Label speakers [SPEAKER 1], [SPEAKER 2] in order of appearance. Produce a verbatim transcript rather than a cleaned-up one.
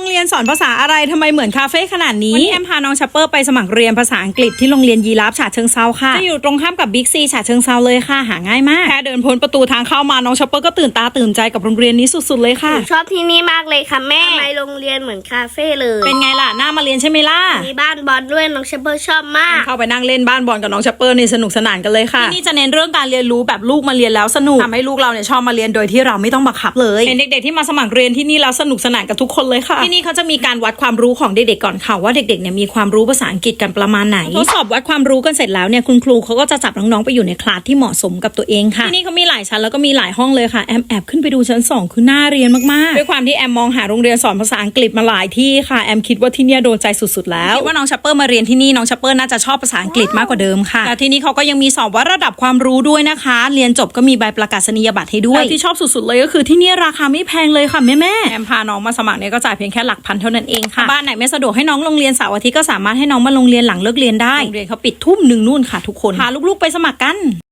[SPEAKER 1] เรียนสอนภาษาอะไรทำไมเหมือนคาเฟ่ขนาดนี้วันนี้แอมพาน้องชัปเปอร์ไปสมัครเรียนภาษาอังกฤษที่โรงเรียนยีราฟฉะเชิงเซาค่ะจะอยู่ตรงข้ามกับบิ๊กซีฉะเชิงเซาเลยค่ะหาง่ายมากแค่เดินพ้นประตูทางเข้ามาน้องชัปเปอร์ก็ตื่นตาตื่นใจกับโรงเรียนนี้สุดๆเลยค่ะ
[SPEAKER 2] ชอบที่นี่มากเลยค่ะแม่ทำไมโรงเรียนเหมือนคาเฟ่เลย
[SPEAKER 1] เป็นไงล่ะน่ามาเรียนใช่ไหมล่ะ
[SPEAKER 2] มีบ้านบอลด้วยน้องเชเบอร์ชอบมาก
[SPEAKER 1] เข้าไปนั่งเล่นบ้านบอลกับน้องชัปเปอร์นี่สนุกสนานกันเลยค่ะที่นี่จะเน้นเรื่องการเรียนรู้แบบลูกมาเรียนแล้วสนุกทำให้ลูกเราเนี่ยชอบมาเรียนโดยที่เราไม่ต้องบังคับเลยเป็นเด็กๆที่มาสมัครเรียนที่นี่แล้วสนุกสนานกับทุกคนเลยค่ะที่นี่เขาจะมีการวัดความรู้ของเด็กๆก่อนค่ะว่าเด็กๆเนี่ยมีความรู้ภาษาอังกฤษกันประมาณไหนทดสอบวัดความรู้กันเสร็จแล้วเนี่ยคุณครูเขาก็จะจับน้องๆไปอยู่ในคลาสที่เหมาะสมกับตัวเองค่ะที่นี่เขามีหลายชั้นแล้วก็มีหลายห้องเลยค่ะแอมแอบขึ้นไปดูชั้นสองคือน่าเรียนมากๆด้วยความที่แอมมองหาโรงเรียนสอนภาษาอังกฤษมาหลายที่ค่ะแอมคิดว่าที่นี่โดนใจสุดๆแล้วคิดว่าน้องชัปเปอร์มาเรียนที่นี่น้องชัปเปอร์น่าจะชอบภาษาอังกฤษมากกว่าเดิมค่ะแต่ที่นี่เขาก็ยังมีสอบวัดระดับความรู้ด้วยนะคะเรียนจบก็มีใบประกาศนียบัตรให้ด้วยที่ชอบสุดๆเลยก็คือที่นี่ราคาไม่แพงเลยค่ะแม่ๆแอมพาน้องมาสมัครเนี่ยก็จ่ายเพียงแค่หลักพันเท่านั้นเองค่ะบ้านไหนไม่สะดวกให้น้องโรงเรียนเสาร์อาทิตย์ก็สามารถให้น้องมาโรงเรียนหลังเลิกเรียนได้โรงเรียนเขาปิดทุ่มหนึ่งนู่นค่ะทุกคนพาลูกๆไปสมัครกัน